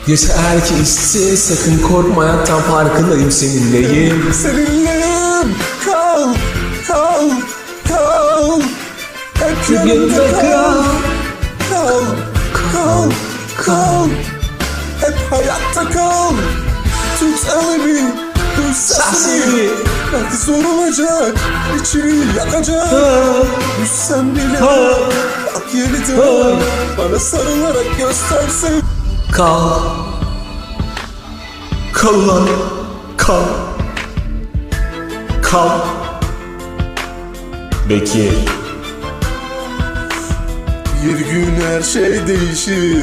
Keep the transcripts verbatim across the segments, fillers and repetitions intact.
Yeter ki iste, sakın korkma, hayattan farkındayım, seninleyim. Seninleyim. Kal, kal, kal. Hep Yanımda yanımda kal. kal. Kal, kal, kal. Hep hayatta kal. Tut elimi, duy sesimi. Sesimi. Belki zor olacak, içini yakacak. Düşsem bile bak yeniden bana sarılarak göstersin. Kal. Kal lan. Kal. Kal. Bekir. Bir gün her şey değişir.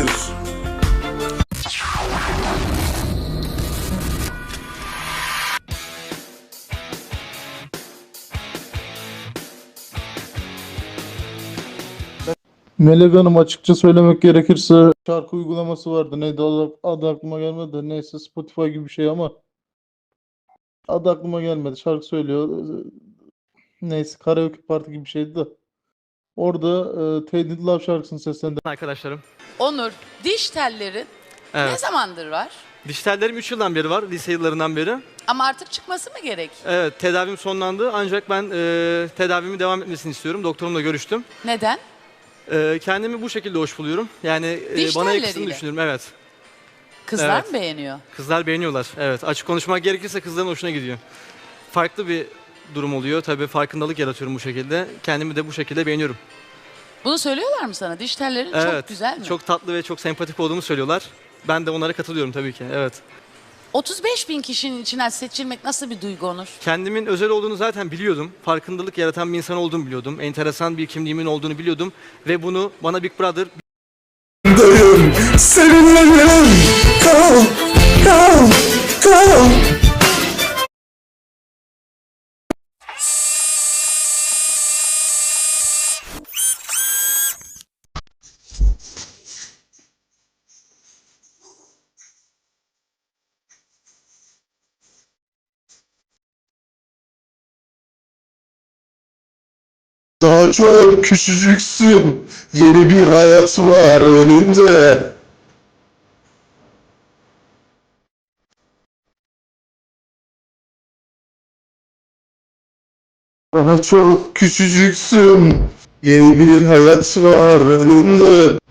Melek Hanım, açıkça söylemek gerekirse şarkı uygulaması vardı. Neydi adı, adı aklıma gelmedi de, neyse, Spotify gibi bir şey ama adı aklıma gelmedi. Şarkı söylüyor. Neyse, karaoke parti gibi bir şeydi de. Orada e, Tainted Love şarkısını seslendirdi. Arkadaşlarım. Onur, diş tellerin ne Evet. zamandır var? Diş tellerim üç yıldan beri var, lise yıllarından beri. Ama artık çıkması mı gerek? Evet, tedavim sonlandı ancak ben e, tedavimi devam etmesini istiyorum. Doktorumla görüştüm. Neden? E, kendimi bu şekilde hoş buluyorum. Yani e, Diş bana telleriyle. yakıştığını düşünüyorum, evet. Kızlar Evet. mı beğeniyor? Kızlar beğeniyorlar, evet. Açık konuşmak gerekirse kızların hoşuna gidiyor. Farklı bir durum oluyor. Tabii farkındalık yaratıyorum bu şekilde. Kendimi de bu şekilde beğeniyorum. Bunu söylüyorlar mı sana? Diş tellerin Evet, çok güzel mi? çok tatlı ve çok sempatik olduğumu söylüyorlar. Ben de onlara katılıyorum tabii ki, evet. otuz beş bin kişinin içinden seçilmek nasıl bir duygu Onur? Kendimin özel olduğunu zaten biliyordum. Farkındalık yaratan bir insan olduğumu biliyordum. Enteresan bir kimliğimin olduğunu biliyordum. Ve bunu bana Big Brother Dayım, seninleyim. Kal, kal, kal. Daha çok küçücüksün. Yeni bir hayat var önünde. Daha çok küçücüksün. Yeni bir hayat var önünde.